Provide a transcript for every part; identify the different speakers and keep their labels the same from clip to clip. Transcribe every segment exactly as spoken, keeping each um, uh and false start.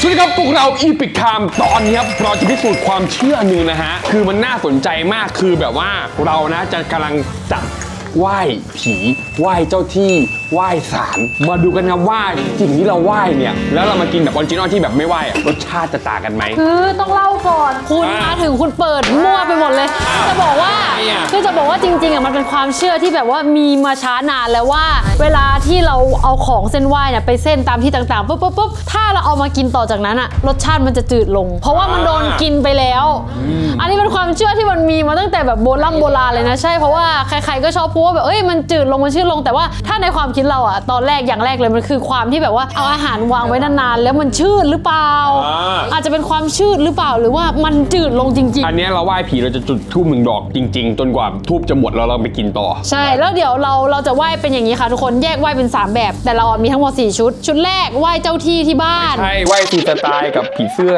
Speaker 1: สวัสดีครับพวกเราอีพิกไทม์ตอนนี้ครับเราจะพิสูจน์ความเชื่อหนึ่งนะฮะคือมันน่าสนใจมากคือแบบว่าเรานะจะกำลังจัดไหว้ผีไหว้เจ้าที่ไหว้ศาลมาดูกันครับว่าสิ่งที่เราไหว้เนี่ยแล้วเรามากินแบบออริจินอลที่แบบไม่ไหว้รสชาติจะต่างกันไหม
Speaker 2: คือต้องเล่าก่อนคุณมาถึงคุณเปิดมั่วไปหมดเลยจะบอกว่าคือจะบอกว่าจริงๆอ่ะมันเป็นความเชื่อที่แบบว่ามีมาช้านานแล้วว่าเวลาที่เราเอาของเส้นไหว้เนี่ยไปเส้นตามที่ต่างๆปุ๊บปุ๊บปุ๊บถ้าเราเอามากินต่อจากนั้นอ่ะรสชาติมันจะจืดลงเพราะว่ามันโดนกินไปแล้วอันนี้เป็นความเชื่อที่มันมีมาตั้งแต่แบบโบราณโบราณเลยนะใช่เพราะว่าใครๆก็ชอบพูดว่าแบบเอ้ยมันจืดลงมันชืดลงแต่ว่าถ้าในความคิดเราอ่ะตอนแรกอย่างแรกเลยมันคือความที่แบบว่าเอาอาหารวางไว้นานๆแล้วมันชืดหรือเปล่าอาจจะเป็นความชืดหรือเปล่าหรือว่ามันจืดลงจริงๆ
Speaker 1: อันนี้เราไหว้ผีเราจะจุดธูปหนึ่งดอกจริงๆจนกว่าธูปจะหมดแล้วเราไปกินต่อ
Speaker 2: ใช่แล้วเดี๋ยวเราเราจะไหว้เป็นอย่างนี้ค่ะทุกคนแยกไหว้เป็นสามแบบแต่เรามีทั้งหมดสี่ชุดชุดแรกไหว้เจ้าที่ที่บ้าน
Speaker 1: ใช่ไหว้ฟรีสไตล์กับผีเสื้อ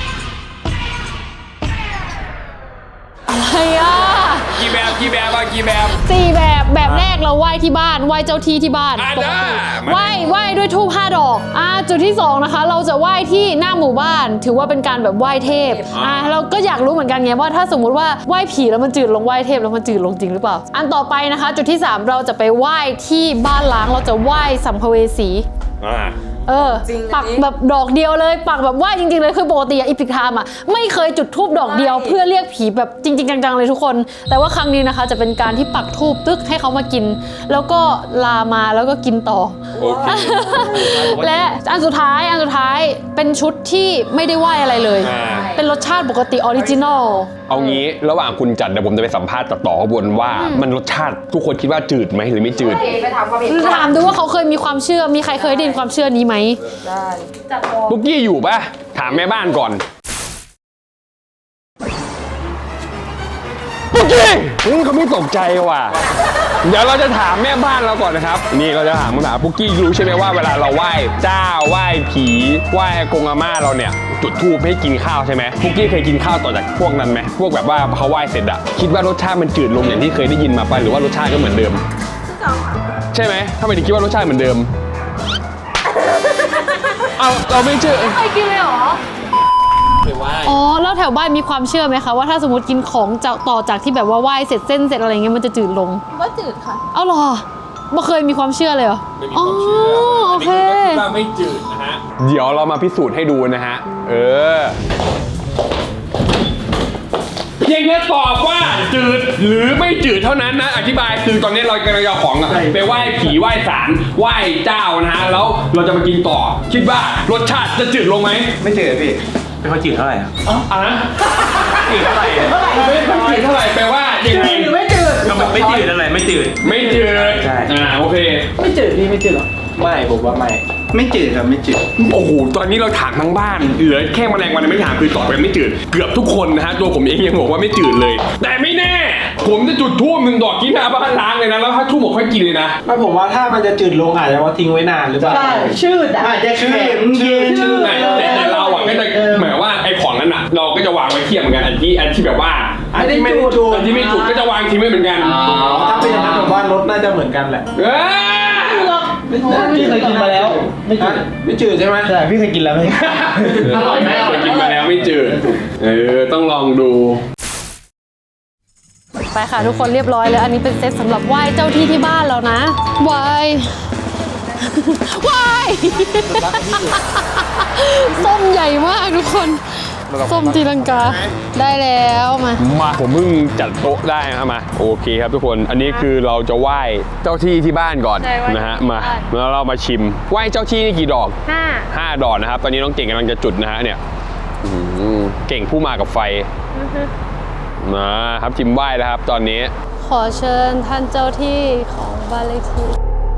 Speaker 2: อะไรอ่ะ
Speaker 1: กี่แบบกี่แบบอ่ะกี่แบบ
Speaker 2: สี่แบบแบบแรกเราไหว้ที่บ้านไหว้เจ้าที่ที่บ้านปกติไหว้ไหว้ด้วยธูปห้าดอกอ่าจุดที่สองนะคะเราจะไหว้ที่หน้าหมู่บ้านถือว่าเป็นการแบบไหว้เทพอ่าเราก็อยากรู้เหมือนกันไงว่าถ้าสมมุติว่าไหว้ผีแล้วมันจืดลงไหว้เทพแล้วมันจืดลงจริงหรือเปล่าอันต่อไปนะคะจุดที่สามเราจะไปไหว้ที่บ้านล้างเราจะไหว้สัมภเวสี
Speaker 1: อ่า
Speaker 2: เออปักแบบดอกเดียวเลยปักแบบว่าจริงๆเลยคือปกติอีพิกไทม์อ่ะไม่เคยจุดธูปดอกเดียวเพื่อเรียกผีแบบจริงๆจังๆเลยทุกคนแต่ว่าครั้งนี้นะคะจะเป็นการที่ปักธูปตึกให้เขามากินแล้วก็ลามาแล้วก็กินต่อโอเคและอันสุดท้ายอันสุดท้ายเป็นชุดที่ไม่ได้ไหว้อะไรเลยเป็นรสชาติปกติออริจินอล
Speaker 1: เอางี้ระหว่างคุณจัดเดี๋ยวผมจะไปสัมภาษณ์ต่อๆบนว่ามันรสชาติทุกคนคิดว่าจืดไหมหรือไม่จืด
Speaker 2: ไปถามความเห็นถามดูว่าเขาเคยมีความเชื่อมีใครเคยได้ยินความเชื่อนี้ไหมได้
Speaker 1: จัดปุ๊กกี้อยู่ปะถามแม่บ้านก่อนปุ๊กกี้เฮ้ยเขาไม่ตกใจว่ะเดี๋ยวเราจะถามแม่บ้านเราก่อนนะครับนี่เราจะถามคำถามปุ๊กกี้รู้ใช่ไหมว่าเวลาเราไหว้เจ้าไหว้ผีไหว้กงอาม่าเราเนี่ยจุดธูปให้กินข้าวใช่ไหมปุ๊กกี้เคยกินข้าวต่อจากพวกนั้นไหมพวกแบบว่าเขาไหว้เสร็จอะคิดว่ารสชาติมันจืดลงอย่างที่เคยได้ยินมาปะหรือว่ารสชาติก็เหมือนเดิมใช่ไหมทำไมถึงคิดว่ารสชาติเหมือนเดิมเอาเราไม่เชื่อ
Speaker 2: เคยกินเลยเหรออ๋อแล้วแถวบ้านมีความเชื่อไหมคะว่าถ้าสมมติกินของจากต่อจากที่แบบว่าไหว้เสร็จเส้นเสร็จอะไรเงี้ยมันจะจืดลง
Speaker 3: ก็จืดค่ะ
Speaker 2: เอาหรอไม่เคยมีความเชื่อเลยเหรอ
Speaker 1: ไม่มีความเชื่อ
Speaker 2: โอเค
Speaker 1: ว่าไม่จืดนะฮะเดี๋ยวเรามาพิสูจน์ให้ดูนะฮะเออเพียงแค่ตอบว่าจืดหรือไม่จืดเท่านั้นนะอธิบายคือตอนนี้เรากำลังเอาของไปไหว้ผีไหว้ศาลไหว้เจ้านะฮะแล้วเราจะมากินต่อคิดว่ารสชาติจะจืดลงไหม
Speaker 4: ไม่จืดพี่ไม่ค่อยจืดเท่าไหร่
Speaker 1: อ๋ออ่ะนะจืดเท่าไหร่เท่าไหร่ไม่ค่อยจืดเท่าไหร่แปลว่ายังไง
Speaker 4: ไม่จืดไม่จืดอะไรไม่จืด
Speaker 1: ไม่จืด
Speaker 4: ใช่
Speaker 1: อ่าโอเค
Speaker 4: ไม่จืดพี่ไม่จืดหรอไม่ผมว่าไม่ไม่จืดครับไม่จืด
Speaker 1: โอ้โหตอนนี้เราถามทั้งบ้านเหลือแค่แมลงวันไม่ถามคือตอบกันไม่จืดเกือบทุกคนนะฮะตัวผมเองยังบอกว่าไม่จืดเลยแต่ไม่แน่ผมจะจุดธูปหนึ่งดอกกินหน้าบ้านล้างเลยนะแล้วถ้าธูปผมค่อยกินเลยนะ
Speaker 4: ไม่ผมว่าถ้ามันจะจืดลงอาจจะว่าทิ้งไว้นานหรือเปล่า
Speaker 3: ใช่ชืด
Speaker 4: อาจจะชืดชืดชืด
Speaker 1: แต่แต่เราอ่ะก็จะหมายว่าไอ้ของนั้นอ่ะเราก็จะวางไว้เทียบเหมือนกันอันที่อันที่แบบว่า
Speaker 4: อันที่ไม่จุด
Speaker 1: อันที่ไม่จุดก็จะวางทิ้งไว้เหมือนกัน
Speaker 4: ถ้าเป็นอย่างนั้นผมว่ารสน่าจะเหมือนกันแหละพี่เคยกินมาแล้วไม่จืดไม่จืดใช่ไหมใช่พี่เคยกินแล้วไม่
Speaker 1: อร่อยไหมเคยกินมาแล้วไม่จืดเออต้องลองดู
Speaker 2: ไปค่ะทุกคนเรียบร้อยแล้วอันนี้เป็นเซตสำหรับไหว้เจ้าที่ที่บ้านแล้วนะไหว้ไหว้ส้มใหญ่มากทุกคนส้มตีลังกาได้แล้วมา
Speaker 1: มาผมเพิ่งจัดโต๊ะได้นะครับมาโอเคครับทุกคนอันนี้คือเราจะไหว้เจ้าที่ที่บ้านก่อนนะฮะมาแล้วเรามาชิมไหว้เจ้าที่นี่กี่ดอกห้าห้าดอกนะครับตอนนี้น้องเก่งกำลังจะจุดนะฮะเนี่ยเก่งผู้มากับไฟนะครับชิมไหว้แล้วครับตอนนี้
Speaker 2: ขอเชิญท่านเจ้าที่ของบ้านเลขที่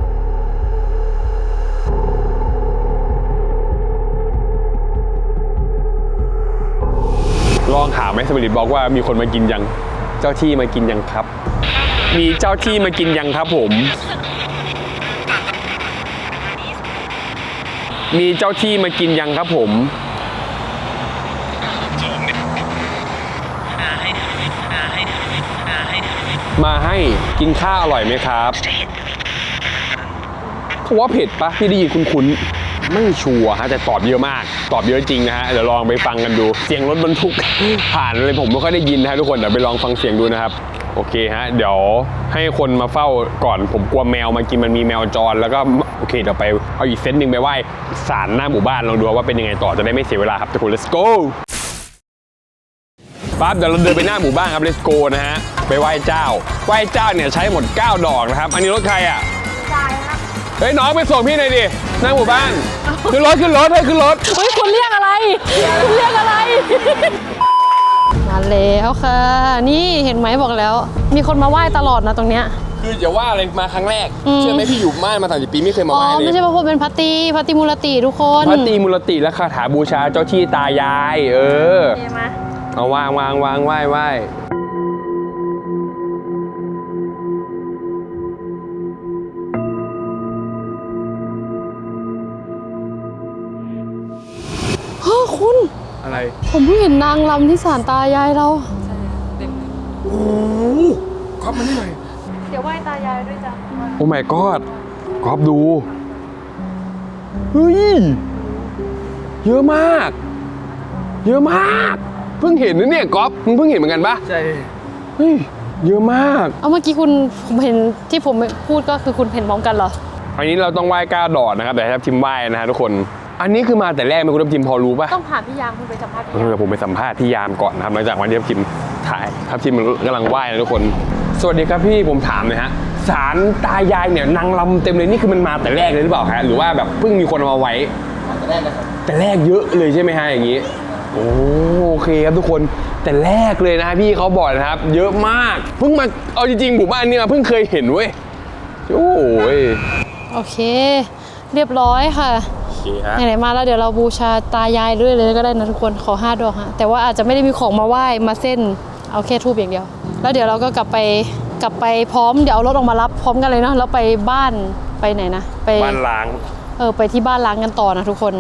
Speaker 1: ลองถามไหมสมิริตบอกว่ามีคนมากินยังเจ้าที่มากินยังครับมีเจ้าที่มากินยังครับผมมีเจ้าที่มากินยังครับผมมาให้กินข้าวอร่อยไหมครับเขาว่าเผ็ดปะพี่ได้ยินคุ้นๆไม่ชัวร์ฮะแต่ตอบเยอะมากตอบเยอะจริงนะฮะเดี๋ยวลองไปฟังกันดูเสียงรถบรรทุก ผ่านเลยผมไม่ค่อยได้ยินนะฮะทุกคนเดี๋ยวไปลองฟังเสียงดูนะครับโอเคฮะเดี๋ยวให้คนมาเฝ้าก่อนผมกลัวแมวมากินมันมีแมวจรแล้วก็โอเคเดี๋ยวไปเอาอีกเซตหนึ่งไปไหว้ศาลหน้าหมู่บ้านลองดูว่าเป็นยังไงต่อจะได้ไม่เสียเวลาครับทุกคน let's go ปั๊บเดี๋ยวเราเดินไปหน้าหมู่บ้านครับ let's go นะฮะไปไหว้เจ้าไหว้เจ้าเนี่ยใช้หมดเก้าดอกนะครับอันนี้รถใครอ่ะเฮ้ยน้องไปส่งพี่หน่อยดิหน้าหมู่บ้านขึ้นรถขึ้นรถเฮ้ยขึ้นรถ
Speaker 2: เฮ้ยคุณเรียกอะไรคุณเรียกอะไรมาแล้วค่ะนี่เห็นไหมบอกแล้ว มีคนมาไหว้ตลอดนะตรงเนี้ย
Speaker 1: คืออย่าว่าอะไรมาครั้งแรก
Speaker 2: อืม
Speaker 1: เชื่อไหมพี่อยู่บ้านมาสามสิบปีไม่เคยมา
Speaker 2: อ๋อ
Speaker 1: ไหว้เลย
Speaker 2: ไม่ใช่พระพุทธเป็นพัตตีพัตติมูลติทุกคน
Speaker 1: พระตรีมูลติและคาถาบูชาเจ้าที่ตายาย เออ
Speaker 2: เห็นไหม
Speaker 1: เอาวางวางวางไหว้ไหว้
Speaker 2: เฮ้ยคุณ
Speaker 1: อะไร
Speaker 2: ผมเพิ่งเห็นนางรำที่ศาลตายายเรา
Speaker 1: โอ้ก๊อฟมานี่หน่อย
Speaker 2: เดี๋ยวไหว้ตายายด้วยจ้ะ
Speaker 1: โอ้ my god ก๊อฟดู เฮ้ย เยอะมาก เยอะมาก เพิ่งเห็นนะเนี่ยก๊อฟมึงเพิ่งเห็นเหมือนกันปะใช่ เฮ้ย เยอะมาก
Speaker 2: เอาเมื่อกี้คุณผมเห็นที่ผมพูดก็คือคุณเห็นพร้อมกันเหรอ
Speaker 1: อันนี้เราต้องไหว้ก้าดอดนะครับแต่ให้ทัพทิมไหว้นะฮะทุกคน อันนี้คือมาแต่แรกไหมคุณทัพทิมพอรู้ปะ
Speaker 2: ต้องถามพี่ยามคุณไปสัมภาษณ์พี่
Speaker 1: เออผมไปสัมภาษณ์พี่ยามก่อนนะครับหลังจากวันที่ทัพทิมถ่ายทัพทิมมันกำลังไหว้นะทุกคน สวัสดีครับพี่ผมถามหน่อยฮะศาลตายายเนี่ยนางรำเต็มเลยนี่คือมันมาแต่แรกเลยหรือเปล่าฮะหรือว่าแบบเพิ่งมีคนเอามาไว้แต่แรกนะครับแต่แรกเยอะเลยใช่ไหมฮะอย่างนี้โอ้โอเคครับทุกคนแต่แรกเลยนะพี่เขาบอกนะครับเยอะมากเพิ่งมาเอาจริงๆหมู่บ้านนี้มาเพิ่งเคยเห็นเว้ยโอ้ย
Speaker 2: โอเค เรียบร้อยค่ะ
Speaker 1: โอเคฮะ
Speaker 2: ไหนๆมาแล้วเดี๋ยวเราบูชาตายายด้วยเลยก็ได้นะทุกคนขอห้าดอกฮะแต่ว่าอาจจะไม่ได้มีของมาไหว้มาเส้นเอาแค่ทูบอย่างเดียวแล้วเดี๋ยวเราก็กลับไปกลับไปพร้อมเดี๋ยวเอารถออกมารับพร้อมกันเลยเนาะแล้วไปบ้านไปไหนนะไป
Speaker 1: บ้านล้าง
Speaker 2: เออไปที่บ้านล้างกันต่อนะทุกคน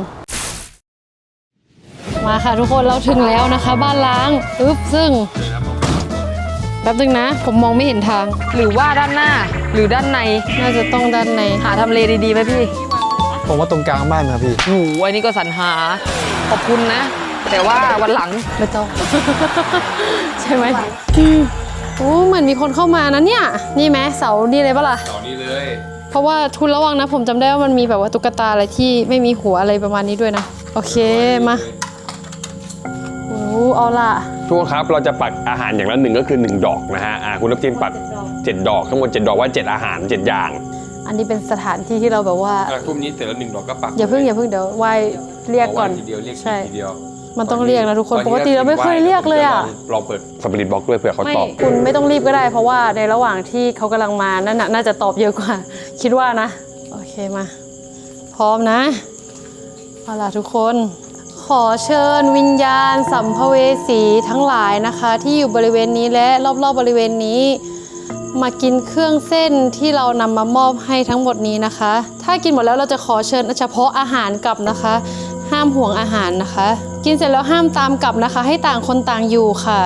Speaker 2: มาค่ะทุกคนเราถึงแล้วนะคะ บ้านล้างอึ๊บซึ่งแป๊บนึงนะ ผมมองไม่เห็นทาง
Speaker 3: หรือว่าด้านหน้าหรือด้านใน
Speaker 2: น่าจะต้องด้านใน
Speaker 3: หาทำเลดีๆไหมพี่
Speaker 4: ผมว่าตรงกลางบ้านครับพี่
Speaker 3: โอ้โหอันนี้ก็สรรหาขอบคุณนะ แต่ว่าวันหลัง
Speaker 2: ไม่ต้อง ใช่ไหมอืมโอ้เหมือนมีคนเข้ามานะเนี่ยนี่ไหมเสานี่เลยปะล่ะ
Speaker 1: ตอนนี้เลย
Speaker 2: เพราะว่าทุนระวังนะผมจำได้ว่ามันมีแบบว่าตุ๊กตาอะไรที่ไม่มีหัวอะไรประมาณนี้ด้วยนะโอเคมาโอ้เอาล่ะ
Speaker 1: ทุกคนครับเราจะปักอาหารอย่างละหนึ่งก็คือหนึ่งดอกนะฮะอ่าคุณทัพทิมปักเจ็ดดอกทั้งหมดเจ็ดดอกว่าเจ็ดอาหารเจ็ดอย่าง
Speaker 2: อันนี้เป็นสถานที่ที่เราแบบว่า
Speaker 1: ทุ่มนี้เสร็จแล้วหนึ่งดอกก็ปัก
Speaker 2: อย่าเพิ่งอย่าเพิ่งเดี๋ยวไหว้เรียกก่อน
Speaker 1: ทีเดียวเรียก
Speaker 2: ใช่
Speaker 1: ทีเดียว
Speaker 2: มันต้องเรียกนะทุกคนปกติเราไม่เคยเรียกเลยอ่ะ
Speaker 1: ลองเปิดสปิริตบล็อกด้วยเผื่อเขา
Speaker 2: ไม่
Speaker 1: ตอบ
Speaker 2: คุณไม่ต้องรีบก็ได้ เพราะว่าในระหว่างที่เขากำลังมานั่นน่ะน่าจะตอบเยอะกว่า คิดว่านะโอเคมา พร้อมนะเอาล่ะทุกคน ขอเชิญวิญญาณสัมภเวสีทั้งหลายนะคะ ที่อยู่บริเวณนี้และรอบๆ บริเวณนี้ มากินเครื่องเส้นที่เรานำมามอบให้ทั้งหมดนี้นะคะ ถ้ากินหมดแล้วเราจะขอเชิญเฉพาะอาหารกลับนะคะ ห้ามห่วงอาหารนะคะ กินเสร็จแล้วห้ามตามกลับนะคะ ให้ต่างคนต่างอยู่ค่ะ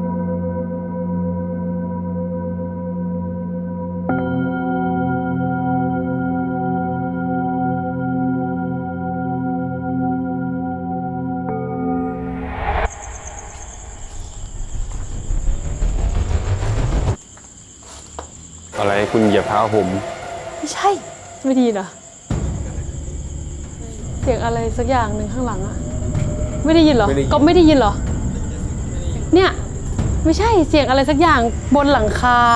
Speaker 1: อะไรคุณเหยียบเท้าผม
Speaker 2: ไม่ใช่ไม่ดีเหรอเสียงอะไรสักอย่างหนึ่งข้างหลังอะไม่ได้ยินเหรอก็ไม่ได้ยินเหรอเนี่ยไม่ใช่เสียงอะไรสักอย่างบนหลังคา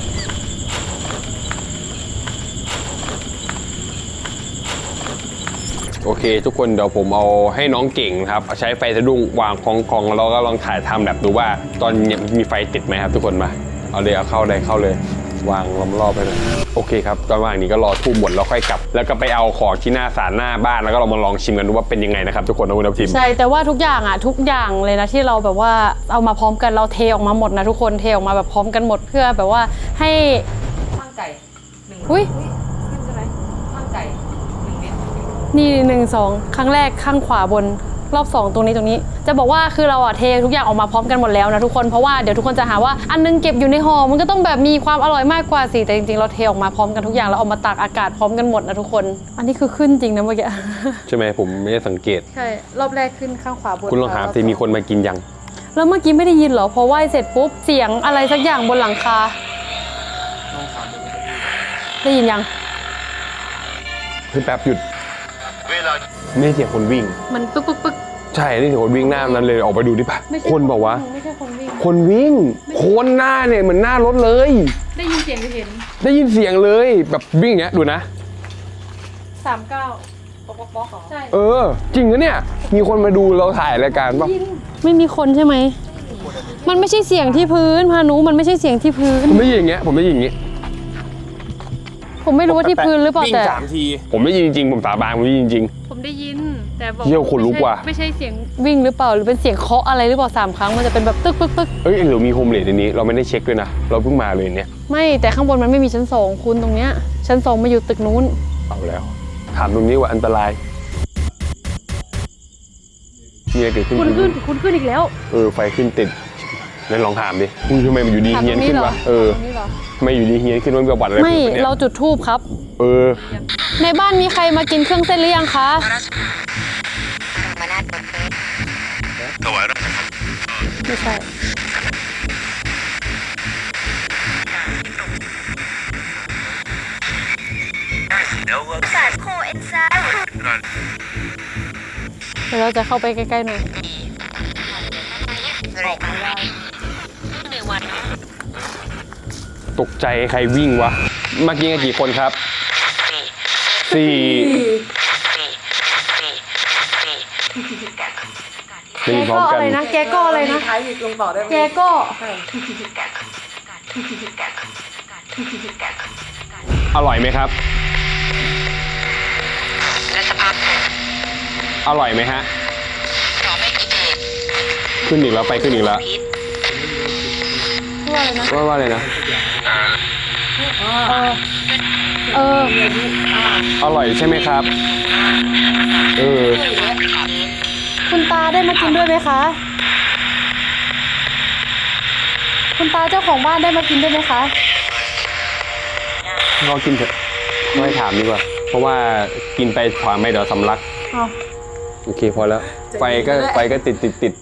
Speaker 1: โอเค ทุกคนเดี๋ยวผมเอาให้น้องเก่งครับใช้ไฟสะดุ้งวางคองกองแล้วก็ลองถ่ายทำแบบดูว่าตอนนี้มีไฟติดไหมครับทุกคนมาเอาเลยเอาเข้าเลยเข้าเลยวางล้อมรอบไปเลยโอเคครับตอนว่างนี้ก็รอทูบหมดแล้วค่อยกลับแล้วก็ไปเอาของที่หน้าศาลหน้าบ้านแล้วก็เรามาลองชิมกันดูว่าเป็นยังไงนะครับทุกคนนะคุณทัพทิม
Speaker 2: ใช่แต่ว่าทุกอย่างอ่ะทุกอย่างเลยนะที่เราแบบว่าเอามาพร้อมกันเราเทออกมาหมดนะทุกคนเทออกมาแบบพร้อมกันหมดเพื่อแบบว่าให้
Speaker 3: ข้างไก่หนึ่ง
Speaker 2: อุ้ย
Speaker 3: ขึ้นใช่ไหมข้างไก่หนึ่งเม็ด
Speaker 2: นี่หนึ่งสองครั้งแรกข้างขวาบนรอบสองตรงนี้ตรงนี้ จะบอกว่าคือเราอะเททุกอย่างออกมาพร้อมกันหมดแล้วนะทุกคนเพราะว่าเดี๋ยวทุกคนจะหาว่าอันนึงเก็บอยู่ในห่อมันก็ต้องแบบมีความอร่อยมากกว่าสิแต่จริงๆเราเทออกมาพร้อมกันทุกอย่างแล้วเอามาตากอากาศพร้อมกันหมดนะทุกคน อันนี้คือขึ้นจริงนะเมื่อกี้
Speaker 1: ใช่ไหมผมไม่ได้สังเกต
Speaker 2: ใช่รอบแรกขึ้นข้างขวาบน
Speaker 1: คุณลองถามสิมีคนมากินยัง
Speaker 2: แล้วเมื่อกี้ไม่ได้ยินเหรอพอไหว้เสร็จปุ๊บเสียงอะไรสักอย่างบนหลังคาได้ยินยัง
Speaker 1: เฮ้ยแป๊บหยุดไม่ใช่เสียงคนวิ่ง
Speaker 2: มันปึ๊กปึ๊กปึ๊ก
Speaker 1: ใช่นี่เสียงคนวิ่งหน้านั้นเลยออกไปดูดิปะ
Speaker 2: ไม่ใช่
Speaker 1: คนบอกว่า
Speaker 2: ไม่ใช่คนวิ่ง
Speaker 1: คนวิ่งคนหน้าเนี่ยเหมือนหน้ารถเลย
Speaker 2: ได้ยินเสียงหรือเห็น
Speaker 1: ได้ยินเสียงเลยแบบวิ่งอย่างเงี้ยดูนะ
Speaker 2: สามเก้าป๊อกป๊อกป๊อกเหรอใช่
Speaker 1: เออ จริงนะเนี่ยมีคนมาดูเราถ่ายรายการปะ
Speaker 2: ไม่มีคนใช่ไหมมันไม่ใช่เสียงที่พื้นพานุมันไม่ใช่เสียงที่พื้น
Speaker 1: ผมไม่ยินอย่างเงี้ยผมไม่ยินอย่างงี้
Speaker 2: ผมไม่รู้ว่าที่พื้นหรือเปล่า
Speaker 1: วิ่ง
Speaker 2: แต่
Speaker 1: สามทีผมไม่ยินจริงๆผมสาบานผมไม่ยินจริง
Speaker 2: ผมได้ยินแต่บอก
Speaker 1: เหี้ยขนลุกว่ะ
Speaker 2: ไม่ใช่เสียงวิ่งหรือเปล่าหรือเป็นเสียงเคาะอะไรหรือเปล่าสามครั้งมันจะเป็นแบบตึกตึกตึก
Speaker 1: เอ้ยหรือมีโฮมเลดในนี้เราไม่ได้เช็คด้วยนะเราเพิ่งมาเลยเนี่ย
Speaker 2: ไม่แต่ข้างบนมันไม่มีชั้นสองคุณตรงเนี้ยชั้นสองมาอยู่ตึกนู้น
Speaker 1: เอาแล้วถามตรงนี้ว่าอันตรายมีอะไรเกิดขึ้น
Speaker 2: คุณขึ้นคุณขึ้นอีกแล้ว
Speaker 1: เออไฟขึ้นติดนั่นลองถามดิอุ้ยทำไมมันอยู่ดี
Speaker 2: ถาม
Speaker 1: เฮี
Speaker 2: ต
Speaker 1: ย
Speaker 2: ร
Speaker 1: น
Speaker 2: งนี้
Speaker 1: ขึ้น
Speaker 2: เหรอ
Speaker 1: วะเออ
Speaker 2: ตรงนี้เหรอ
Speaker 1: ทำไม่อยู่ดีเฮียนขึ้นมันมีประวัติอะไร
Speaker 2: ไม่
Speaker 1: ขึ้นปะเนี่ย
Speaker 2: เราจุดธูปครับ
Speaker 1: เออ
Speaker 2: ในบ้านมีใครมากินเครื่องเส้นหรือยังคะไม่ใช่เดี๋ยวเราจะเข้าไปใกล้ๆหน่อย
Speaker 1: ตกใจใครวิ่งวะเมื่อกี้กันกี่คนครับสี่ได้
Speaker 2: แก
Speaker 1: ยินพร้อ
Speaker 2: ก็
Speaker 1: มกั
Speaker 2: อะ
Speaker 1: น
Speaker 2: ไรนะ แกก็อะไรนะ
Speaker 3: ท้ายอีกลงต่อได้ไหม
Speaker 2: แกก็
Speaker 1: อร่อยไหมครับอร่อยไหมฮะขึ้นอีกแล้วไปขึ้นอีกแล้ว
Speaker 2: ว่าอะไรนะ
Speaker 1: ว่าว่าอะไรนะ
Speaker 2: เออ
Speaker 1: อร่อยใช่ไหมครับเออ
Speaker 2: คุณตาได้มากินด้วยไหมคะ คุณตาเจ้าของบ้านได้มากินด้วยไหมคะ
Speaker 1: เรากินเถอะไม่ถามดีกว่าเพราะว่ากินไปถามไม่เดี๋ยวสำลัก
Speaker 2: เอา
Speaker 1: โอเคพอแล้วไฟก็ไฟก็ติดติดติด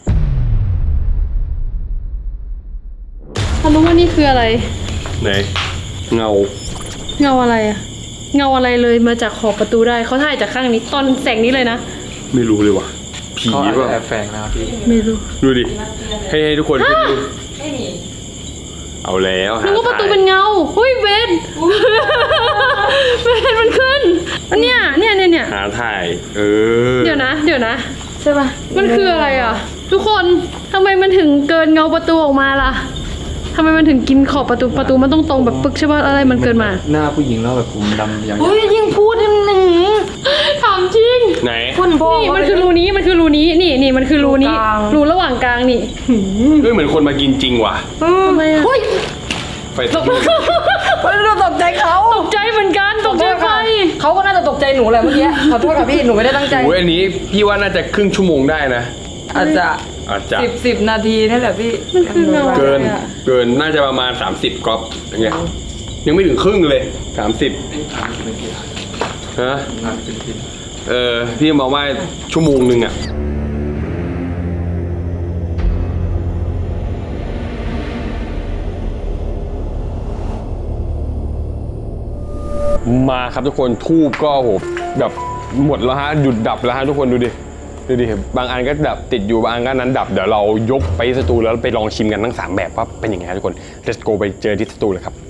Speaker 2: เขารู้ว่านี่คืออะไร
Speaker 1: ไหนเงา
Speaker 2: เงาอะไรอะเงาอะไรเลยมาจากขอบประตูได้เขาถ่ายจากข้างนี้ตอนแสงนี้เลยนะ
Speaker 1: ไม่รู้เลยว่ะผี
Speaker 4: เขาอาจ
Speaker 1: ป่ะ
Speaker 4: จะแอบแฝงนะครับพี่
Speaker 2: ไม่รู้
Speaker 1: ดูดิให้ให้ทุกคนขึ้นดูเอาแล้วหา
Speaker 2: นึกว่าประตู
Speaker 1: ทาง
Speaker 2: เป็นเงาหุ้ยเบนเบนมันขึ้นเนี่ยเนี่ยเนี่ยเนี่ย
Speaker 1: หาถ่ายเออ
Speaker 2: เดี๋ยวนะ เดี๋ยวนะใช่ปะมันคืออะไรอ่ะ ทุกคนทำไมมันถึงเกินเงาประตูออกมาล่ะทำไมมันถึงกินขอบประตูประตูมันต้องตรงแบบปึกใช่ปะอะไรมันเกินมา
Speaker 4: หน้าผู้หญิงแล้วแบบผมดำอย่าง
Speaker 2: เฮ้ยยิ่งพูดยิ่งหนึ่งถามจริง
Speaker 1: ไหน
Speaker 2: คุณพ่อนี่มันคือรูนี้มันคือรูนี้นี่นี่มันคือรูนี้รูระหว่างกลางนี่
Speaker 1: เฮ้ยเหมือนคนมากินจริงว่ะ
Speaker 2: ทำไมอ่ะ
Speaker 1: ไฟ
Speaker 3: เราตกใจเขา
Speaker 2: ตกใจเหมือนกันตกใจไฟ
Speaker 3: เขาก็น่าจะตกใจหนูแหละเมื่อกี้ขอโทษค่ะพี่หนูไม่ได้ตั้งใจ
Speaker 1: โอ้ยอันนี้พี่ว่าน่าจะครึ่งชั่วโมงได้นะ
Speaker 3: อาจจะ
Speaker 1: อาจจะ
Speaker 3: สิบสิบนาทีนี่แหละพี่
Speaker 2: มันคือเงา
Speaker 1: เกินเกินน่าจะประมาณ สามสิบกรอบอย่างเงี้ยยังไม่ถึงครึ่งเลยสามสิบฮะเออพี่มองว่าชั่วโมงหนึ่งอ่ะมาครับทุกคนทูบก็โหแบบหมดแล้วฮะหยุดดับแล้วฮะทุกคนดูดิดูดิบางอันก็ดับติดอยู่บางอันก็นั้นดับเดี๋ยวเรายกไปสตูแล้วไปลองชิมกันทั้งสามแบบว่าเป็นยังไงทุกคน let's go ไปเจอที่สตูเลยครับ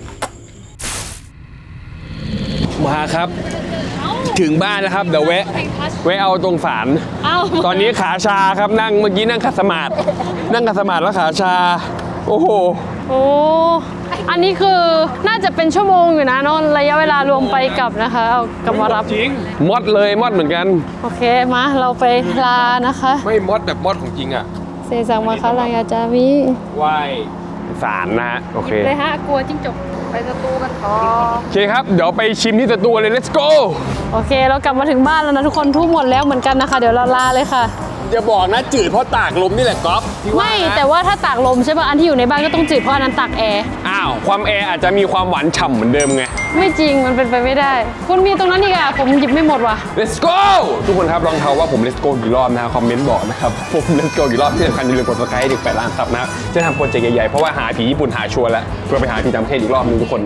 Speaker 1: มาครับถึงบ้านแล้วครับเดี๋ยวแวะแวะเอาตรงศาล
Speaker 2: เอ้า
Speaker 1: ตอนนี้ขาชาครับนั่งเมื่อกี้นั่งขัดสมาธินั่งขัดสมาธิแล้วขาชาโอ้โห
Speaker 2: โอ้อันนี้คือน่าจะเป็นชั่วโมงอยู่นะเนนระยะเวลารวมไปกลับนะคะเอากลับมารับ
Speaker 1: จริงมอดเลยมอดเหมือนกัน
Speaker 2: โอเคมาเราไปลานะคะ
Speaker 1: ไม่มอดแบบมอดของจริงอ่ะ
Speaker 2: เซซังมาคารายาจามิ
Speaker 1: ไหว้ศาลนะฮะโอเค
Speaker 2: เลยฮะกลัวจิ้งจก
Speaker 3: ไปสตูกันต่อ
Speaker 1: โอเคครับเดี๋ยวไปชิมที่สตูเลย let's go
Speaker 2: โอเคเรากลับมาถึงบ้านแล้วนะทุกคนทุ่มหมดแล้วเหมือนกันนะคะ เดี๋ยวเราลาเลยค่ะ
Speaker 1: อย่าบอกนะจืดเพราะตากลมนี่แหละก๊อฟพี่ว่า
Speaker 2: ไม่
Speaker 1: นะ
Speaker 2: แต่ว่าถ้าตากลมใช่ป่ะอันที่อยู่ในบ้านก็ต้องจืดเพราะอันนั้นตากแอร์
Speaker 1: อ้าวความแอร์อาจจะมีความหวานฉ่ำเหมือนเดิมไง
Speaker 2: ไม่จริงมันเป็นไปไม่ได้ คุณมีตรงนั้นอีกอะผมหยิบไม่หมดว่ะ
Speaker 1: let's go ทุกคนครับลองเทาว่าผม let's go กี่รอบนะคอมเมนต์บอกนะครับผม let's go กี่รอบที่สำคัญอย่าลืมกด subscribe ให้ถึงแปดล้านครับนะจะทำโปรเจกต์ใหญ่ๆเพราะว่าหาผีญี่ปุ่นหาชัวร์แล้วเพื่อไปหาผีต่างประเทศอีกรอบนึงทุกคน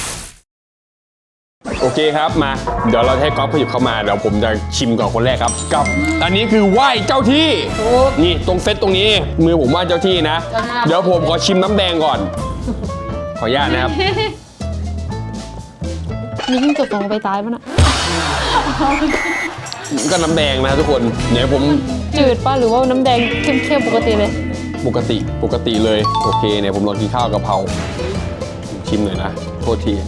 Speaker 1: โอเคครับมาเดี๋ยวเราให้ก๊อฟขยับเข้ามาเดี๋ยวผมจะชิมก่อนคนแรกครับกับอันนี้คือไหว้เจ้าที่นี่ตรงเซตตรงนี้มือผมไหว้เจ้าที่นะ เดี๋ยวผมขอชิมน้ำแดงก่อน ขออนุญาตนะครับ
Speaker 2: มีจิ้งจกสองใบตายป่ะน่ะ
Speaker 1: ก็น้ำแดงนะทุกคนเดี๋ยวผม
Speaker 2: จืดป่ะหรือว่าน้ำแดงเข้มๆปกติเลย
Speaker 1: ปกติปกติเลยโอเคเนี่ยผมลองกินข้าวกะเพราชิมหน่อยนะโทษที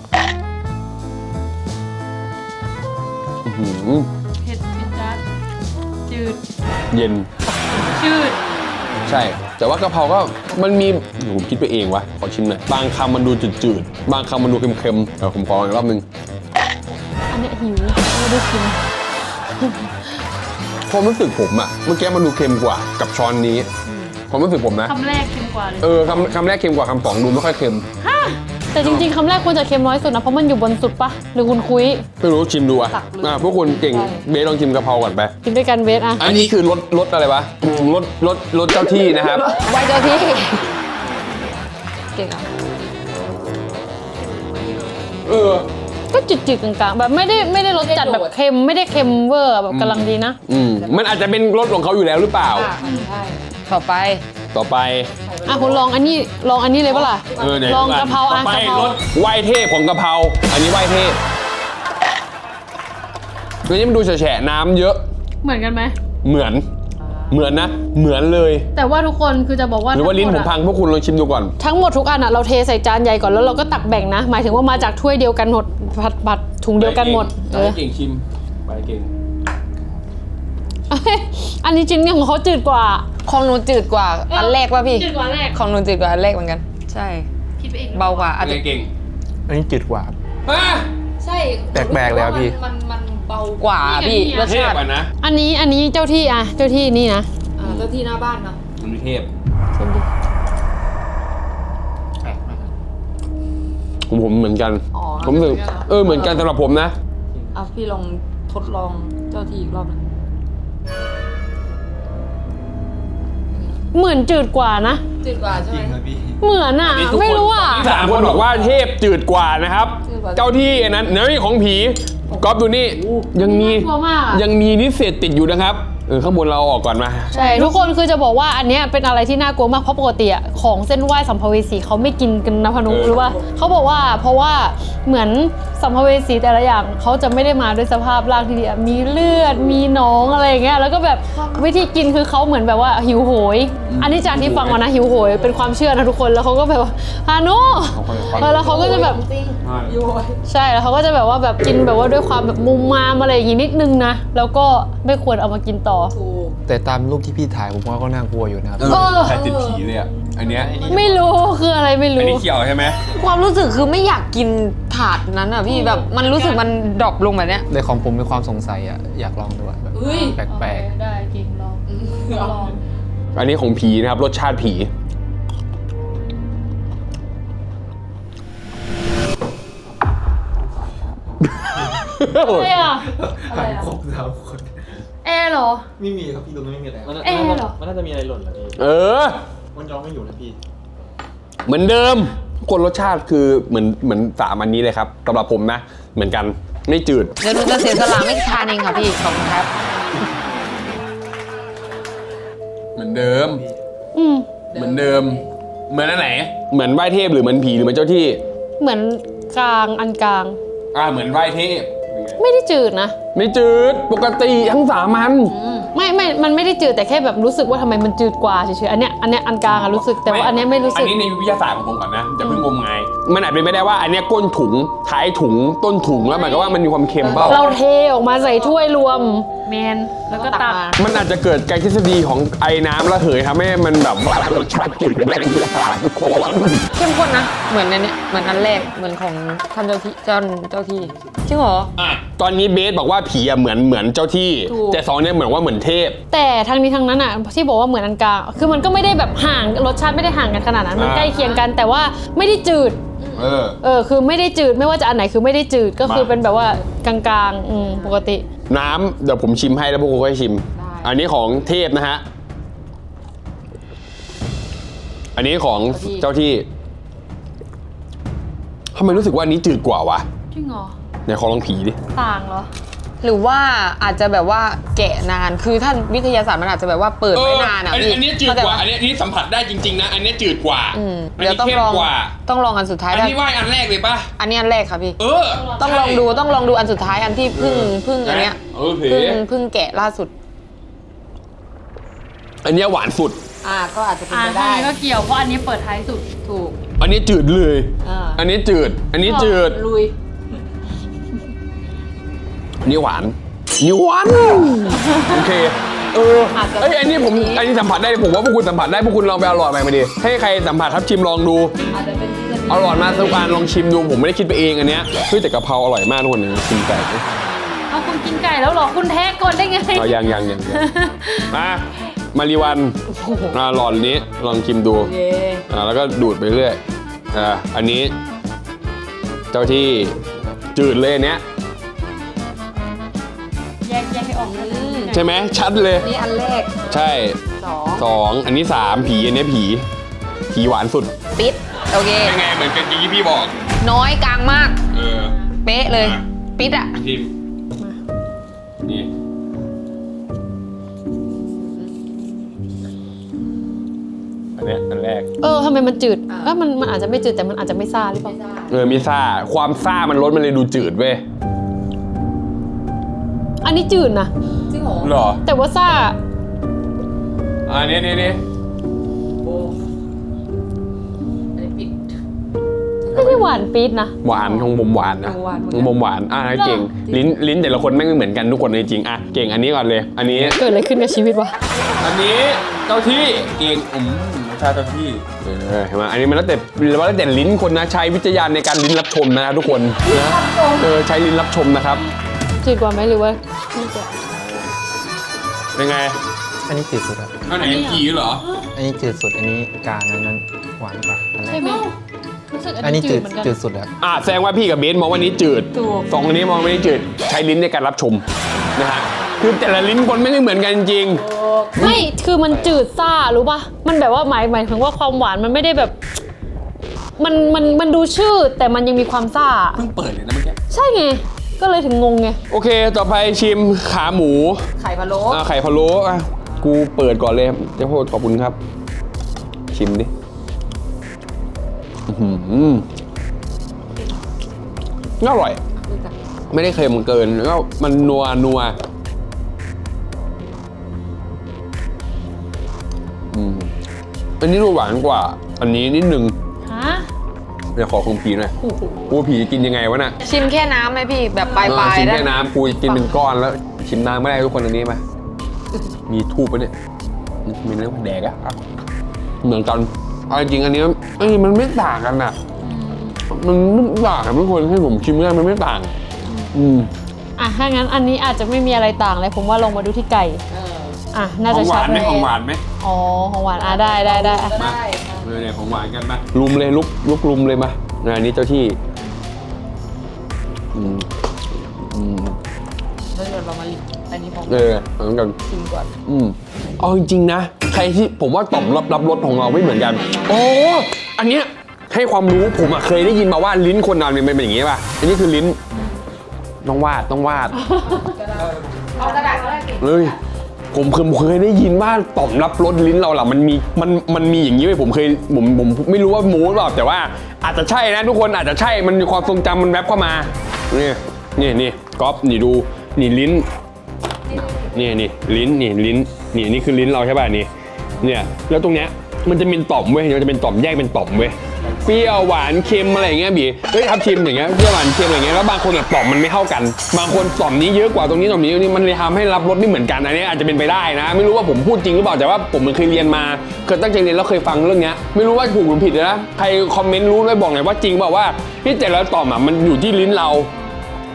Speaker 1: อื้อหือ
Speaker 2: เผ็ดพิจัดจืด
Speaker 1: เย็น
Speaker 2: จืด
Speaker 1: ใช่ แต่ว่ากะเพราก็มันมีผมคิดไปเองวะขอชิมหน่อยบางคำมันดูจืดๆบางคำมันดูเค็มๆเออผมขออีกรอบนึง
Speaker 2: อันเนี้ยหิวไม่ได้กิน
Speaker 1: ความรู้สึกผมอะเมื่อกี้มันดูเค็มกว่ากับช้อนนี้ความรู้สึกผมนะ
Speaker 2: คำแรกเค็มกว่าเลย
Speaker 1: เออคำคำแรกเค็มกว่าคำสองดูไม่ค่อยเค็ม
Speaker 2: แต่จริงๆคำแรกควรจะเค็มน้อยสุดนะเพราะมันอยู่บนสุดปะหรือคุณคุย
Speaker 1: ไม่รู้ชิมดูอะ
Speaker 2: ตักเลย
Speaker 1: อ่ะพวกคุณเก่งเบสลองชิมกะเพราก่อนไป
Speaker 2: กินด้วยกันเบสอะ
Speaker 1: อันนี้คือรสรสอะไรวะรสรสรสเจ้าที่นะครับ
Speaker 3: ไว้เจ้าที่ เก่งอ่ะ
Speaker 1: เออ
Speaker 2: ก็จืดๆกลางๆแบบไม่ได้ไม่ได้รสจัดแบบเค็มไม่ได้เค็มเวอร์แบบกำลังดีนะ
Speaker 1: อืมมันอาจจะเป็นรสของเขาอยู่แล้วหรือเปล่า
Speaker 3: ใช่ต่อไป
Speaker 1: ต่อไป
Speaker 2: อ่ะคุณลองอันนี้ลองอันนี้เลยปะล่ะ
Speaker 1: เออเนี่ย
Speaker 2: ลองกะเพรา
Speaker 1: ต่
Speaker 2: อ่ะ
Speaker 1: อไป
Speaker 2: กะเพราร
Speaker 1: สไหวเทพของกะเพราอันนี้ไหวเทพตัวนี้มันดูแฉะๆน้ำเยอะ
Speaker 2: เหมือนกันไหม
Speaker 1: เหมือน เหมือนนะ เหมือนเลย
Speaker 2: แต่ว่าทุกคนคือจะบอกว่า
Speaker 1: หรือว่าลิ้นผม
Speaker 2: ทั้งหด
Speaker 1: พังพวกคุณลองชิมดูก่อน
Speaker 2: ทั้งหมดทุกอันอ่ะเราเทใส่จานใหญ่ก่อนแล้วเราก็ตักแบ่งนะ หมายถึงว่ามาจากถ้วยเดียวกันหมดผัดผัดถุงเดียวกันหมดเออ
Speaker 1: เก่งชิมไปเก่ง
Speaker 2: อันนี้ชิ้นของเขาจืดกว่า
Speaker 3: ของหนูจืดกว่า อันแรกป่ะพี่
Speaker 2: จืดกว่าแรก
Speaker 3: ของหนูจืดกว่าอันแรกเหมือนกัน ใช่
Speaker 2: คิดไปเอง
Speaker 3: เบากว่าอาจจะ
Speaker 1: เก่ง
Speaker 5: อันนี้จืดกว่าครับ
Speaker 1: อ่ะ
Speaker 3: ใช่
Speaker 5: แปลกๆเลยอะพี่
Speaker 3: มันมันเบากว่าพี่รส
Speaker 1: เทพ
Speaker 3: ชาติ
Speaker 1: อ่ะนะ
Speaker 2: อันนี้อันนี้เจ้าที่อ่ะเจ้าที่นี่นะ
Speaker 3: อ่าเจ้าที่หน้าบ้านเนาะ
Speaker 1: มันมีเทพ
Speaker 2: ชิมดิ
Speaker 1: ผมผมเหมือนกัน
Speaker 3: อ๋อ
Speaker 1: ผมรู้สึกเออเหมือนกันสำหรับผมนะ
Speaker 3: อ่ะพี่ลองทดลองเจ้าที่อีกรอบนึง
Speaker 2: เหมือนจืดกว่านะ
Speaker 3: จืดกว่าใช่ไหม
Speaker 2: เหมือนอ่ะไม่รู้อ่ะ
Speaker 1: ที่สามคนบอกว่าเทพจืดกว่านะครับ
Speaker 3: จืดกว่า
Speaker 1: เจ้าที่อันนั้นเนื้อของผีก๊อฟดูนี่ยังมี
Speaker 2: น่ากลัวมากอะ
Speaker 1: ยังมีนิเศษติดอยู่นะครับเออข้างบนเราเอาออกก่อนมา
Speaker 2: ใช่ทุกคนคือจะบอกว่าอันเนี้ยเป็นอะไรที่น่ากลัวมากเพราะปกติอะของเส้นไหว้สัมภเวสีเขาไม่กินกันนะพนุ
Speaker 1: เออ
Speaker 2: หรือว่าเขาบอกว่าเพราะว่าเหมือนสัมภเวสีแต่ละอย่างเขาจะไม่ได้มาด้วยสภาพร่างที่ดีอะมีเลือดมีหนองอะไรอย่างเงี้ยแล้วก็แบบวิธีกินคือเขาเหมือนแบบว่าหิวโหย อันนี้จากที่ฟังมานะหิวโหยเป็นความเชื่อนะทุกคนแล้วเขาก็แบบว่าฮานุเออแล้วเขาก็จะแบบใช่แล้วเขาก็จะแบบว่าแบบกินแบบว่าด้วยความแบบมุมมามอะไรอย่างงี้นิดนึงนะแล้วก็ไม่ควรเอามากินต่อ
Speaker 5: แต่ตามรูปที่พี่ถ่ายผมว่าก็น่ากลัวอยู่นะครับ
Speaker 2: เออ
Speaker 1: ใครติดผีเลยอ่ะอันเนี้ย
Speaker 2: ไม่รู้คืออะไรไม่
Speaker 1: อัน
Speaker 2: รู้
Speaker 1: นี้เขียวใช่ไหม
Speaker 3: ความรู้สึกคือไม่อยากกินถาดนั้นอ่ะพี่แบบมันรู้สึกมันดรอปลงแบบเนี้ย
Speaker 5: ในของผมมีความสงสัยอ่ะอยากลองดูอะแบบแปลก
Speaker 2: ได้จริงลองลอง
Speaker 1: อันนี้ของผีนะครับรสชาติผี
Speaker 2: อะไรอ่ะ
Speaker 4: อะไรครบแล้วคน
Speaker 2: แอร์เหรอ
Speaker 4: ไม่มีครับพี่ตรงนั้นไม่มีอะไร
Speaker 2: เอ๊ะเหรอ
Speaker 4: มันน่าจะมีอะไรหล่นเหรอพี่
Speaker 1: เออ
Speaker 4: มันย้อมไม่อยู่นะพี่
Speaker 1: เหมือนเดิมคนรสชาติคือเหมือนเหมือนสามอันนี้เลยครับสำหรับผมนะ เหมือนกันไม่จืด
Speaker 3: เดี๋ยวหนูจะเสียสละไม่ทานเองค่ะพี่ขอบคุณครับ
Speaker 1: เหมือนเดิม
Speaker 2: อืม
Speaker 1: เหมือนเดิม เหมือนอันไหน เหมือนไหว้เทพหรือเหมือนผีหรือเหมือนเจ้าที่
Speaker 2: เหมือนกลางอันกลาง
Speaker 1: อ่าเหมือนไหว้เทพ
Speaker 2: ไม่ได้จืดนะ
Speaker 1: ไม่จืดปกติทั้งสามอัน
Speaker 2: ไม่ไม่มันไม่ได้จืดแต่แค่แบบรู้สึกว่าทำไมมันจืดกว่าเฉยๆอันเนี้ยอันเนี้ยอันกลางอะรู้สึกแต่ว่าอันเนี้ยไม่รู้สึก
Speaker 1: อันนี้ในวิทยาศาสตร์ของผมก่อนนะจะเพิ่งงมงายมันอาจเป็นไปได้ว่าอันเนี้ยก้นถุงท้ายถุงต้นถุงแล้วหมายความว่ามันมีความเค็มเปล่า
Speaker 2: เราเทออกมาใส่ถ้วยรวมแมนแล้วก็ตัก
Speaker 1: มันอาจจะเกิดการทฤษฎีของไอ้น้ำระเหยทำให้มันแบบรสชาติจืดแรงทุกคน
Speaker 3: เข้มข้นนะ เหมือนในเนี้ยเหมือนอันแรกเหมือนของท่านเจ้าที่เจ้าเจ้าที่จริงเหรอ
Speaker 1: อ่ะตอนนี้เบสบอกว่าผีอะเหมือนเหมือนเจ้าที่
Speaker 3: ถูก
Speaker 1: แต่สองเนี่ยเหมือนว่าเหมือนเทพ
Speaker 2: แต่ทั้งนี้ทั้งนั้นอ่ะที่บอกว่าเหมือนอันกลางคือมันก็ไม่ได้แบบห่างรสชาติไม่ได้ห่างกันขนาดนั้นมัน
Speaker 1: อ่า
Speaker 2: ใกล้เคียงกันแต่ว่าไม่ได้จืด
Speaker 1: เออ
Speaker 2: เออคือไม่ได้จืดไม่ว่าจะอันไหนคือไม่ได้จืดก็คือ
Speaker 1: มา
Speaker 2: เป็นแบบว่ากลางๆอืมปกติ
Speaker 1: น้ำเดี๋ยวผมชิมให้แล้วพวกคุณก็ให้ชิม อันนี้ของเทพนะฮะ อันนี้ของเจ้าที่ทำไมรู้สึกว่าอันนี้จืดกว่าวะ
Speaker 2: จริงเหรอ
Speaker 1: ไหนขอลองผีดิ
Speaker 2: ต่างเหรอ
Speaker 3: หรือว่าอาจจะแบบว่าแกะนานคือท่านวิทยาศาสตร์มันอาจจะแบบว่าเปิดไว้นานอ่ะ
Speaker 1: อันนี้
Speaker 3: พี่
Speaker 1: อันนี้จืดกว่า อันนี้อันนี้สัมผัสได้จริงๆนะ อันนี้จืดกว่า
Speaker 3: อืม
Speaker 1: อัน
Speaker 3: เดี๋ยว
Speaker 1: นี้
Speaker 3: ต้อง
Speaker 1: เข้
Speaker 3: ล
Speaker 1: ม
Speaker 3: อง
Speaker 1: กว่า
Speaker 3: ต้องลองอันสุดท้าย
Speaker 1: อัน
Speaker 3: ได้
Speaker 1: นี้ไหว้อันแรกเลยปะ
Speaker 3: อันนี้อันแรกค่ะพี่
Speaker 1: เออ
Speaker 3: ต้องลองดูต้องลองดูอันสุดท้ายอันที่เพึ่งเพึ่งอันเนี้ย
Speaker 1: เออเผ
Speaker 3: เพึ่งเพึ่งแกะล่าสุด
Speaker 1: อันเนี้ยหวานสุด
Speaker 3: อ่าก็อาจจะเป็น
Speaker 2: อ่า
Speaker 3: ไป
Speaker 2: ใช่
Speaker 3: ได้
Speaker 2: ก็เกี่ยวเพราะอันนี้เปิดท้ายสุด
Speaker 3: ถูก
Speaker 1: อันนี้จืดเลย
Speaker 3: อ่า
Speaker 1: อันนี้จืด อันนี้จืด
Speaker 3: ลุย
Speaker 1: อันนี้หวานนี่หวานโอเค เออเอ้ยอันนี้ผมอันนี้สัมผัสได้ผมว่าพวกคุณสัมผัสได้พวกคุณลองไปเอาหลอดใหม่มาดิให้ใครสัมผัสทับชิมลองดู
Speaker 3: อาจจะเป็นที่จะ
Speaker 1: เอาหลอดมาสักอันลองชิมดูผมไม่ได้คิดไปเองอันเนี้ยเฮ้ยแต่กะเพราอร่อยมากทุกคนนะชิมไก่
Speaker 2: เอาคุณกินไก่แล้วเหรอคุณแท้ก่อนได้ไง
Speaker 1: เอายังยังยังยังมามารีวันอ่าหลอดนี้ลองชิมดู
Speaker 3: เย่
Speaker 1: อ่าแล้วก็ดูดไปเรื่อยอ่าอันนี้ เจ้าที่จืดเลยอันเนี้ย
Speaker 2: แยกแยกให้ออกเลย
Speaker 1: ใช่ไหมชัดเลย
Speaker 3: นี่อันแรก
Speaker 1: ใช่
Speaker 3: สอง
Speaker 1: สองอันนี้สามผีอันนี้ผีผีหวานสุด
Speaker 3: ปิดโอเค
Speaker 1: เป็นไงเหมือนกันที่พี่บอก
Speaker 3: น้อยกลางมาก
Speaker 1: เออ
Speaker 3: เป๊ะเลย ปิดอ่ะ
Speaker 1: ทีมนี่อันเนี้ยอันแรก
Speaker 2: เออทำไมมันจืดเออมันมันอาจจะไม่จืดแต่มันอาจจะไม่ซ่าหรือเปล่า
Speaker 1: เออมีซ่าความซ่ามันลดมันเลยดูจืดเว้ย
Speaker 2: อันนี้จืดนะ
Speaker 3: จริงเหรอ
Speaker 1: เหรอ
Speaker 2: แต่ว่าซ่า
Speaker 1: อันนี้นี่นี่
Speaker 3: โอ้อันนี้ปิด
Speaker 2: ไม่ได้หวานปี๊ดนะ
Speaker 1: หวานของผมหวานนะ
Speaker 3: หวานเหมือน
Speaker 1: ข
Speaker 3: กั
Speaker 1: อน งผมหวานอ่ะเก่งลิ้นลิ้นแต่ละคนแม่งไม่เหมือนกันทุกคนจริงๆอ่ะเก่งอันนี้ก่อนเลย อันนี้
Speaker 2: เกิดอะไรขึ้นกับชีวิตวะ
Speaker 1: อันนี้เจ้าที่เก่งอืมรสชาติเจ้าที่เออเห็นไหมอันนี้มันแล้วแต่แล้วแต่ลิ้นคนนะใช้วิจารณญาณในการลิ้นรับชมนะทุกคนนะเออใช้ลิ้นรับชมนะครับ
Speaker 2: จืดกว่าไหมหรือว่า
Speaker 1: เป็นไง
Speaker 5: อันนี้จืดสุดครับ
Speaker 1: อันไหนผีเหรอ
Speaker 5: อันนี้จืดสุด อันนี้กลางอันนั้นหวานกว่าอันแร
Speaker 2: ใช่
Speaker 5: ก
Speaker 2: ไหมรู้สึก
Speaker 5: อั
Speaker 2: อั
Speaker 5: น
Speaker 2: น
Speaker 5: นี้
Speaker 2: นี้
Speaker 5: จื
Speaker 2: จื
Speaker 5: ด
Speaker 2: ดเหมือนกัน
Speaker 5: จืดสุดแล้ว
Speaker 1: อ่ะแสดงว่าพี่กับเบสมองว่านี้จืด
Speaker 2: ถูก
Speaker 1: สองอันนี้มองไม่ได้จืดใช้ลิ้นในการรับชมนะฮะคือแต่ละลิ้นคนไม่ได้เหมือนกันจริง
Speaker 2: ไม่คือมันจืดซ่ารู้ป่ะมันแบบว่าหมายหมายถึงว่าความหวานมันไม่ได้แบบ มันมันมันดูชื่อแต่มันยังมีความซ่า
Speaker 1: เพิ่งเปิดเลยนะเมื่อกี้
Speaker 2: ใช่ไงก็เลยถึงงงไง
Speaker 1: โอเค ต่อไปชิมขาหมู
Speaker 3: ไข่พะโล้
Speaker 1: อ่ะไข่พะโล้อ่ะกูเปิดก่อนเลยเจ้าโพดขอบคุณครับ ชิมดิอื้อหืออร่อย ไม่ได้เค็มเกินแล้วก็มันนัวนัวอืมอันนี้ดูหวานกว่า อันนี้นิดนึง
Speaker 2: ฮะ
Speaker 1: เดี๋ยวขอคงผีหน่อย
Speaker 2: โอ้โห
Speaker 1: กูผีกินยังไงวะน่ะ
Speaker 3: ชิมแค่น้ำไหมพี่แบบปลาย
Speaker 1: เอ
Speaker 3: ป
Speaker 1: อ
Speaker 3: ลาย
Speaker 1: ชิม
Speaker 3: ได้
Speaker 1: แค่น้ำกูกินเป็นก้อนแล้ว ชิมน้ำไม่ได้ทุกคนอันนี้มามีทูบปะเนี่ยมีเนื้อแดกอะอ่ะเหมือนกันเอาจริงๆอันนี้เอ้ยมันไม่ต่างกันน่ะ มันไม่ต่างกันทุกคนให้ผมชิมได้มันไม่ต่าง อืม
Speaker 2: อ่ะถ้างั้นอันนี้อาจจะไม่มีอะไรต่างเลยผมว่าลงมาดูที่ไก่
Speaker 3: เออ
Speaker 2: อ่ะน่า
Speaker 1: ขอ
Speaker 2: จะ
Speaker 1: งห
Speaker 2: ชั
Speaker 1: วา
Speaker 2: ด
Speaker 1: นไหม
Speaker 2: เลย
Speaker 1: ของหวานไหม
Speaker 2: อ๋อของหวานอ่ะได้ได้ได้อ่ะ
Speaker 1: มาเออเนี่ยของหวานกันมาลุมเลยลุกลุกลุมเลยมานะอันนี้เจ้าที่อืมอืม
Speaker 3: แล้วเดี๋ยวเรามาลิอันนี้ของ
Speaker 1: เออเหมือนกัน
Speaker 3: ชิมก่อน
Speaker 1: อืมเอาจริงๆนะ ใครที่ผมว่าต่อมรับรับรสของเราไม่เหมือนกันโอ้อันเนี้ยให้ความรู้ผมอะเคยได้ยินมาว่าลิ้นคนเราเนี่ยมันเป็นอย่างงี้ป่ะอันนี้คือลิ้นต้องวาดต้องวาด
Speaker 3: เอากระดาษก็ได้สิ
Speaker 1: เลยผมเคยผมเคยได้ยินว่าต่อมรับรสลิ้นเราล่ะมันมีมันมันมีอย่างนี้ไหมผมเคยผมผมไม่รู้ว่าโม้หรือเปล่าแต่ว่าอาจจะใช่นะทุกคนอาจจะใช่มันมีความทรงจำมันแวบเข้ามานี่นี่นี่ก๊อฟนี่ดูนี่ลิ้นนี่นี่ลิ้นนี่ลิ้นนี่นี่คือลิ้นเราใช่ป่ะนี่เนี่ยแล้วตรงเนี้ยมันจะเป็นต่อมเว้ยมันจะเป็นต่อมแยกเป็นต่อมเว้ยเปรี้ยวหวานเค็มอะไรอย่างเงี้ยบีเฮ้ยทับทิมอย่างเงี้ยเปรี้ยวหวานเค็มอะไรเงี้ยแล้วบางคนแบบต่อมมันไม่เท่ากัน บางคนต่อมนี้เยอะกว่าตรงนี้ต่อมนี้ตรงนี้มันเลยทำให้รับรสไม่เหมือนกันอันนี้อาจจะเป็นไปได้นะ ไม่รู้ว่าผมพูดจริงหรือเปล่าแต่ว่าผมเคยเรียนมาเคยตั้งใจเรียนแล้วเคยฟังเรื่องเนี้ยไม่รู้ว่าถูกหรือผิดนะใครคอมเมนต์รู้ด้วยบอกหน่อยว่าจริงเปล่าว่าที่แต่ละต่อมอ่ะมันอยู่ที่ลิ้นเรา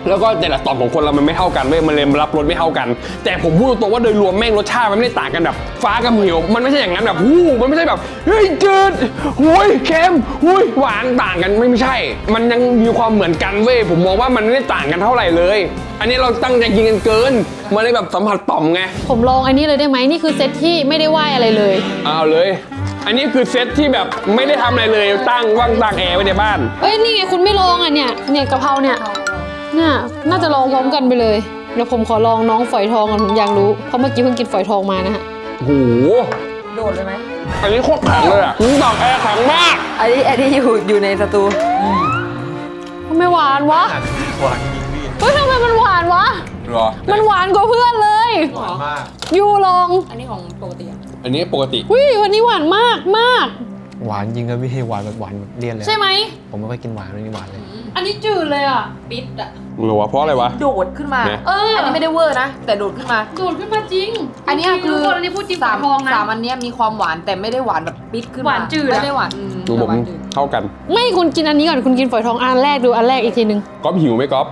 Speaker 1: แล้วก็แต่ละต่อมของคนเรามันไม่เท่ากันเว้ยมันเลยรับรสไม่เท่ากัน แต่ผมพูดตรงๆว่าโดยรวมแม่งรสชาติมันไม่ได้ต่างกันแบบฟ้ากับเหวมันไม่ใช่อย่างนั้นแบบหู้มันไม่ใช่แบบเฮ้ยจืดหุยเค็มหุยหวานต่างกันไม่ไม่ใช่ มันยังมีความเหมือนกันเว้ยผมมองว่ามันไม่ได้ต่างกันเท่าไหร่เลย อันนี้เราตั้งใจกินกันเกินมันเลยแบบสัมผัสต่อมไง
Speaker 2: ผมลองอันนี้เลยได้ไหมนี่คือเซตที่ไม่ได้ไหวอะไรเลย
Speaker 1: เอาเลย อันนี้คือเซตที่แบบไม่ได้ทำอะไรเลยตั้งว่างตั้งแอร์ไว้ในบ้าน
Speaker 2: เอ้ยนี่ไงคุณไม่ลองอ่ะเนี่ยเนี่ยกะเพราเนี่ยเนี่ยน่าจะลองพร้อมกันไปเลยเดี๋ยวผมขอลองน้องฝอยทองก่อนผมอยากรู้เพราะเมื่อกี้เพิ่งกินฝอยทองมานะฮะ
Speaker 1: โอ้โห
Speaker 3: โดดเลยไหม
Speaker 1: อันนี้โคตรแข็งเลยอ่ะตั้งแอร์แข็งมาก
Speaker 3: อันนี้อันนี้อยู่อยู่ในสตู
Speaker 2: ทำไมหวานวะ
Speaker 5: หวานจริงพี่
Speaker 2: เฮ้ยทำไมมันหวานวะ
Speaker 1: หรอ
Speaker 2: มันหวานกว่าเพื่อนเลย
Speaker 5: หวานมาก
Speaker 2: ยูลอง
Speaker 3: อันนี้ของปกติ
Speaker 1: อันนี้ปกติ
Speaker 2: วิวันนี้หวานมากมาก
Speaker 5: หวานจริงครับพี่หวานแบบหวานแบบเลี่ยนเลย
Speaker 2: ใช่ไหม
Speaker 5: ผมไม่ค่อยกินหวานเลยนี่หวานเลย
Speaker 2: อันนี้จืดเลยอ่ะ
Speaker 3: ปิดอ่ะ
Speaker 1: หรอวะเพราะอะไรวะ
Speaker 3: โดดขึ้นมา
Speaker 1: เนี่ย
Speaker 2: เอออั
Speaker 3: อันนี้ไม่ได้เวอร์นะ แต่โดดขึ้นมา
Speaker 2: ดูดขึ้นมาจริง
Speaker 3: อันเนี้ยคือ
Speaker 2: ทุกคนอันนี้พูดจริงฝ
Speaker 3: สา
Speaker 2: อย
Speaker 3: ม
Speaker 2: ทองนะ
Speaker 3: สามอันเนี้ยมีความหวานแต่ไม่ได้หวานแบบปิดขึ้นมา
Speaker 2: หวานจืดอะ
Speaker 3: ไม่ได้หวานอื
Speaker 1: ดูผม
Speaker 3: หวานจืด
Speaker 1: เท่ากัน
Speaker 2: ไม่คุณกินอันนี้ก่อนคุณกินฝอยทองอันแรกดูอันแรกอีกทีหนึ่ง
Speaker 1: ก๊อฟหิวไหมก๊อฟ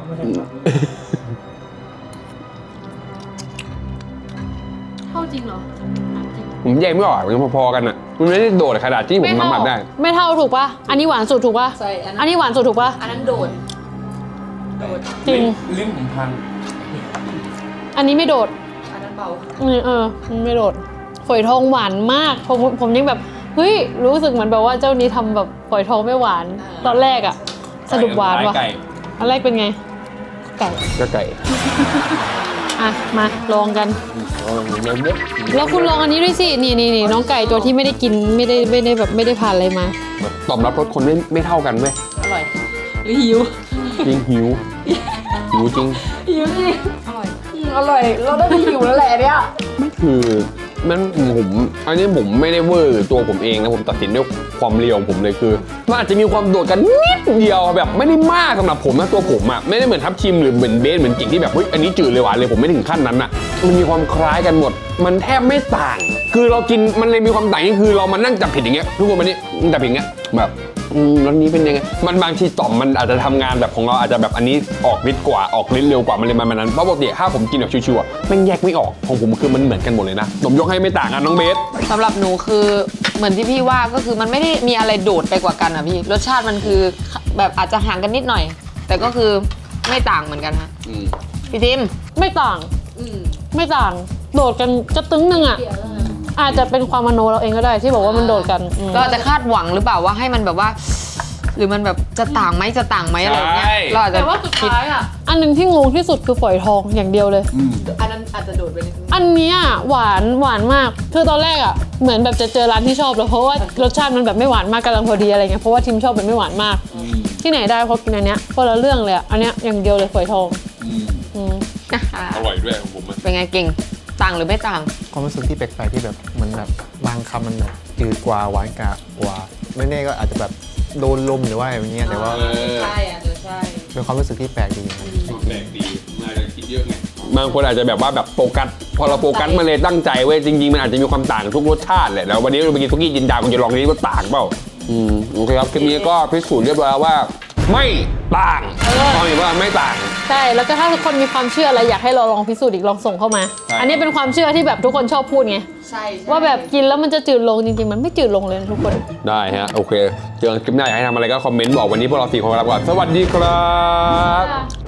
Speaker 2: เข้าจริงเหรอ
Speaker 1: ผมแยกไม่ออกมันพอๆกันอ่ะมันไม่ได้โดดขนาดที่ผมสัมผัสได้
Speaker 2: ไม่เท่าถูกปะอันนี้หวานสุดถูกปะ
Speaker 3: ใช่อัน
Speaker 2: อั
Speaker 3: นั้น
Speaker 2: นนี้หวานสุดถูกปะ
Speaker 3: อันนั้นโดดโดด
Speaker 2: จริง
Speaker 5: ลิ้นผมพัน
Speaker 2: อันนี้ไม่โดด
Speaker 3: อันนั้นเบา
Speaker 2: อืมเออไม่โดดฝอยทองหวานมากผมผมยังแบบเฮ้ยรู้สึกเหมือนแบบว่าเจ้านี้ทำแบบฝอยทองไม่หวาน ตอนแรกอะสรุปหวานว่ะ
Speaker 1: ไก่
Speaker 2: อันแรกเป็นไงไก่
Speaker 1: ก็ไก่
Speaker 2: อ่ะมาลองกัน
Speaker 1: เอาเลยเด็ด
Speaker 2: แล้วคุณลองอันนี้ด้วยสินี่นี่นี่น้องไก่ตัวที่ไม่ได้กินไม่ได้ไม่ได้แบบไม่ได้ผ่านอะไรมา
Speaker 1: ตอบรับรสคนไม่ไม่เท่ากันเว้ย
Speaker 3: อร่อยหรือหิว
Speaker 1: จริงหิวหิวจริง
Speaker 3: หิวจริงอร่อยอืมอร่อย เราได้ไปหิวแล้วแหละเนี่ย
Speaker 1: คือมันผมอันนี้ผมไม่ได้เวอร์ตัวผมเองนะผมตัดสินด้วยความเรียวของผมเลยคือมันอาจจะมีความโดดกันนิดเดียวแบบไม่ได้มากสำหรับผมนะตัวผมอ่ะไม่ได้เหมือนทับชิมหรือเหมือนเบสเหมือนกิ่งที่แบบเฮ้ยอันนี้จืดเลยหวานเลยผมไม่ถึงขั้นนั้นอ่ะมันมีความคล้ายกันหมด มันแทบไม่ต่าง คือเรากินมันเลยมีความต่างนี่คือเรามานั่งจับผิดอย่างเงี้ยทุกคนมันนี่จับผิดอย่างเงี้ยแบบอืมรสนี้เป็นยังไงมันบางทีต่อมมันอาจจะทำงานแบบของเราอาจจะแบบอันนี้ออกฤทธิ์กว่าออกฤทธิ์เร็วกว่ามันเลยมันนั้นเพราะปกติถ้าผมกินแบบชิวๆอะแม่งแยกไม่ออกของผมคือมันเหมือนกันหมดเลยนะผมยกให้ไม่ต่างกันน้องเบส
Speaker 3: สำหรับหนูคือเหมือนที่พี่ว่าก็คือมันไม่ได้มีอะไรโดดไปกว่ากันอ่ะพี่รสชาติมันคือแบบอาจจะห่างกันนิดหน่อย แต่ก็คือไม่ต่างเหมือนกันฮะพี่ทิม
Speaker 2: ไม่ต่างไม่ต่างโดดกันจะตึ้งหนึ่งอ่ะอาจจะเป็นความมโนเราเองก็ได้ที่บอกว่ามันโดดกันอืม
Speaker 3: เราอาจจะคาดหวังหรือเปล่าว่าให้มันแบบว่า หรือมันแบบจะต่างไหมจะต่างไหมอะไรอย่างเงี้ย
Speaker 1: ใช่
Speaker 3: เราอาจจะ
Speaker 2: แต่ว่าสุดท้ายอ่ะอันหนึ่งที่งงที่สุดคือฝอยทองอย่างเดียวเลย
Speaker 3: อันนั้นอาจจะโดดไปนิดนึง
Speaker 2: อันเนี้ยหวานหวานมากคือตอนแรกอ่ะเหมือนแบบจะเจอร้านที่ชอบแล้วเพราะว่ารสชาติมันแบบไม่หวานมากกำลังพอดีอะไรเงี้ยเพราะว่าทิมชอบแบบไม่หวานมาก ที่ไหนได้เพราะกินอันเนี้ยคนละเรื่องเลยอะอันเนี้ยอย่างเดียวเลยฝอยทองอืม
Speaker 3: อ่ะ
Speaker 1: อร่อยด้วยของผมอะ
Speaker 3: เป็นไงเก่งต่างหรือไม่ต่าง
Speaker 5: ความรู้สึกที่แปลกๆที่แบบเหมันแบบบางคำมันแบบจืดกว่าหวานกว่าไม่แน่ก็อาจจะแบบโดนลมหรือว่าอย่างเงี้ยแต่ว่า
Speaker 3: ใช่อาจจะใช่
Speaker 5: เป็นความรู้สึกที่แปลกดีนะ
Speaker 1: แปลกดีน่าจะคิดเยอะไงบางคนอาจจะแบบว่าแบบโฟกัสพอเราโฟกัสมาเลยตั้งใจเว้ยจริงๆมันอาจจะมีความต่างทุกรสชาติแหละแล้ววันนี้เราไปกินทุกี้จินดาคุณจะลองนี้ว่าต่างเปล่าอืมโอเคครับคลิปนี้ก็พิสูจน์เรียบร้อยแล้วว่า ไม่ต่างตอนนี้ว่าไม่ต่าง
Speaker 2: ใช่แล้วก็ถ้าทุกคนมีความเชื่ออะไรอยากให้เราลองพิสูจน์อีกลองส่งเข้ามา
Speaker 1: ใช่
Speaker 2: อันนี้เป็นความเชื่อที่แบบทุกคนชอบพูดไง
Speaker 3: ใช่
Speaker 2: ว่าแบบกินแล้วมันจะจืดลงจริงๆมันไม่จืดลงเลยนะทุกคน
Speaker 1: ได้ฮะโอเคเจอกันคลิปหน้าอยากให้ทำอะไรก็คอมเมนต์บอกวันนี้พวกเราสี่คนลาไปก่อนสวัสดีครับ